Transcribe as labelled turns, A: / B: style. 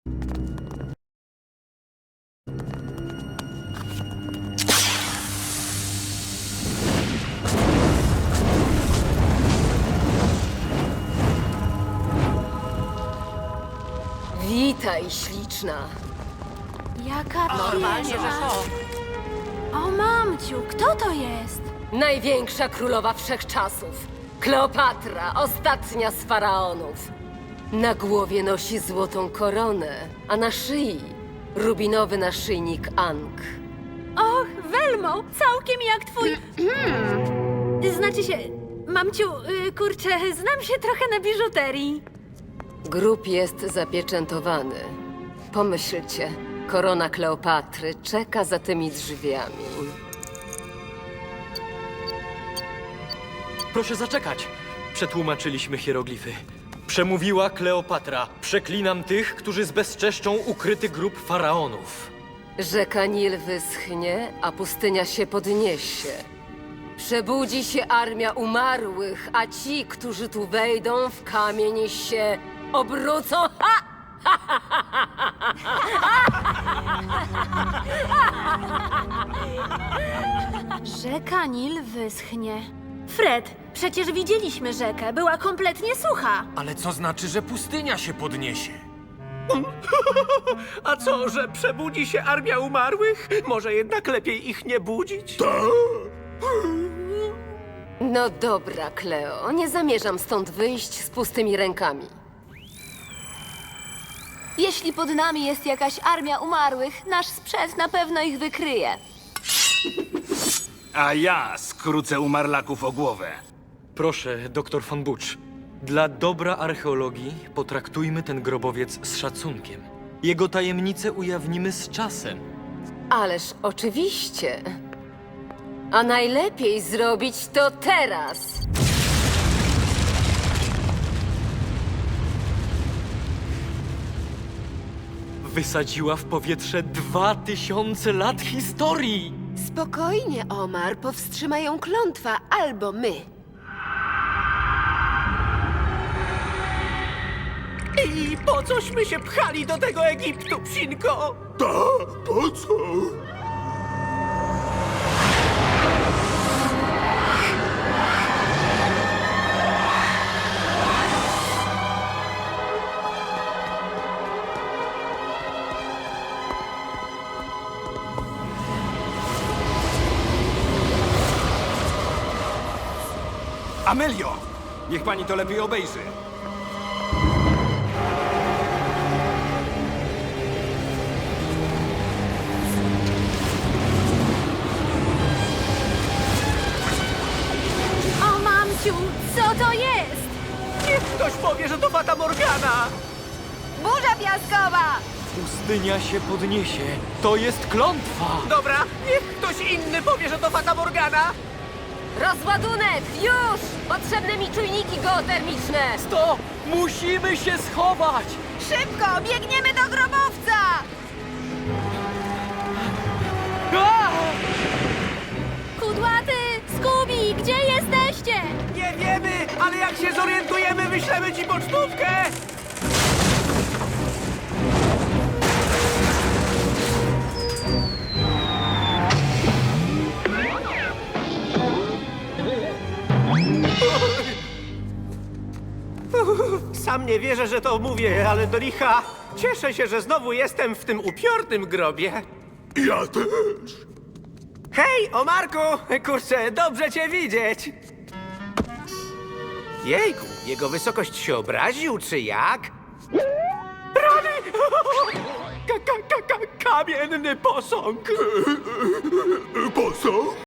A: Witaj, śliczna.
B: Jaka
C: Normalnie, że
B: piękna.
C: to.
B: O mamciu, kto to jest?
A: Największa królowa wszechczasów. Kleopatra, ostatnia z faraonów. Na głowie nosi złotą koronę, a na szyi rubinowy naszyjnik Ankh.
B: Och, Welmo, całkiem jak twój... Znaczy się, mamciu, kurczę, znam się trochę na biżuterii.
A: Grób jest zapieczętowany. Pomyślcie, korona Kleopatry czeka za tymi drzwiami.
D: Proszę zaczekać. Przetłumaczyliśmy hieroglify. Przemówiła Kleopatra. Przeklinam tych, którzy zbezczeszczą ukryty grób faraonów.
A: Rzeka Nil wyschnie, a pustynia się podniesie. Przebudzi się armia umarłych, a ci, którzy tu wejdą, w kamień się obrócą. Ha!
B: Rzeka Nil wyschnie. Fred, przecież widzieliśmy rzekę, była kompletnie sucha.
E: Ale co znaczy, że pustynia się podniesie?
C: A co, że przebudzi się armia umarłych? Może jednak lepiej ich nie budzić?
A: No dobra, Kleo, nie zamierzam stąd wyjść z pustymi rękami.
F: Jeśli pod nami jest jakaś armia umarłych, nasz sprzęt na pewno ich wykryje.
G: A ja skrócę umarlaków o głowę.
D: Proszę, doktor von Butch. Dla dobra archeologii potraktujmy ten grobowiec z szacunkiem. Jego tajemnice ujawnimy z czasem.
A: Ależ oczywiście. A najlepiej zrobić to teraz.
D: Wysadziła w powietrze 2000 lat historii!
H: Spokojnie, Omar, powstrzyma ją klątwa, albo my.
C: I po cośmy się pchali do tego Egiptu, psinko?
G: Amelio! Niech pani to lepiej obejrzy.
B: O mamciu, co to jest?
C: Niech ktoś powie, że to Fata Morgana!
F: Burza piaskowa!
D: Pustynia się podniesie. To jest klątwa!
C: Dobra, niech ktoś inny powie, że to Fata Morgana!
A: Rozładunek! Już! Potrzebne mi czujniki geotermiczne!
D: To musimy się schować!
F: Szybko, biegniemy do grobowca!
B: Kudłaty, Scooby, gdzie jesteście?
C: Nie wiemy, ale jak się zorientujemy, wyślemy ci pocztówkę! Sam nie wierzę, że to mówię, ale do licha cieszę się, że znowu jestem w tym upiornym grobie.
G: Ja też.
C: Hej, Omarku! Kurczę, dobrze cię widzieć! Jejku, jego wysokość się obraził, czy jak? Rany! Kamienny posąg!
G: Po co?